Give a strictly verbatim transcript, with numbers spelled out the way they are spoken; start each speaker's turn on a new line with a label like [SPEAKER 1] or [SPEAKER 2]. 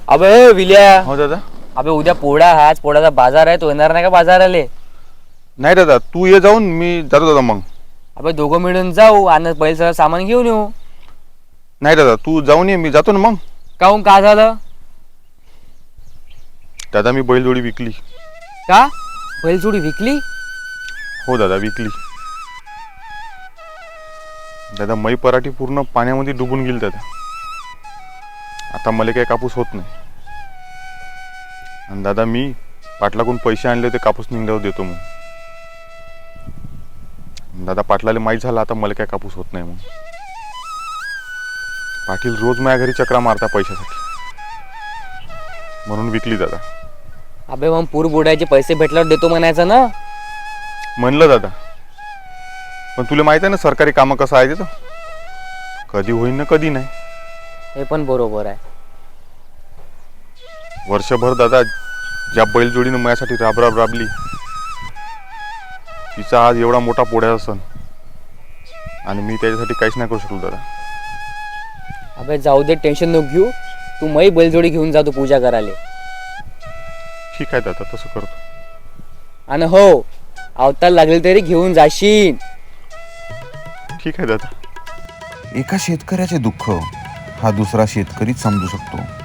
[SPEAKER 1] अबे विल्या,
[SPEAKER 2] हो दादा.
[SPEAKER 1] अबे उद्या पोळा आहे, आज पोळ्याचा बाजार आहे, तो येणार नाही का बाजाराले?
[SPEAKER 2] नाही दादा, तू ये जाऊन, मी जातो दादा मग.
[SPEAKER 1] अबे दोघं मिळून जाऊ आणि बैल सगळं सामान घेऊन येऊ.
[SPEAKER 2] नाही दादा, तू जाऊन ये, मी जातो ना मग.
[SPEAKER 1] काहून, का झालं?
[SPEAKER 2] दादा मी बैलजोडी विकली.
[SPEAKER 1] का? बैलजोडी विकली?
[SPEAKER 2] हो दादा विकली. दादा मै पराठी पूर्ण पाण्यामध्ये डुबून गेली दादा. आता मला काही कापूस होत नाही. आणि दादा मी पाटलाकडून पैसे आणले ते कापूस निघल्यावर देतो मग. दादा पाटलाला माहीत झालं आता मला काय कापूस होत नाही मग. पाटील रोज माझ्या घरी चक्रा मारता पैशासाठी, म्हणून विकली दादा.
[SPEAKER 1] अबे मग पूर बुडायचे पैसे भेटल्यावर देतो म्हणायचं ना.
[SPEAKER 2] म्हणलं दादा, पण तुला माहित आहे ना सरकारी कामं कसं आहे ते, कधी होईन ना कधी नाही.
[SPEAKER 1] हे पण बरोबर आहे.
[SPEAKER 2] वर्षभर दादा ज्या बैलजोडीनं माझ्यासाठी राब राब राबली, तिचा आज एवढा मोठा पोळ्याचा सण, आणि मी त्याच्यासाठी काहीच नाही करू शकलो दादा.
[SPEAKER 1] अबे जाऊ दे, टेन्शन नको घेऊ. तू मै बैलजोडी घेऊन जातो पूजा करायला.
[SPEAKER 2] ठीक आहे दादा, तसं करतो.
[SPEAKER 1] आणि हो, अवतार लागले तरी घेऊन जाशील.
[SPEAKER 2] ठीक आहे दादा.
[SPEAKER 3] एका शेतकऱ्याचे दुःख हा दुसरा शेतकरीच समजू शकतो.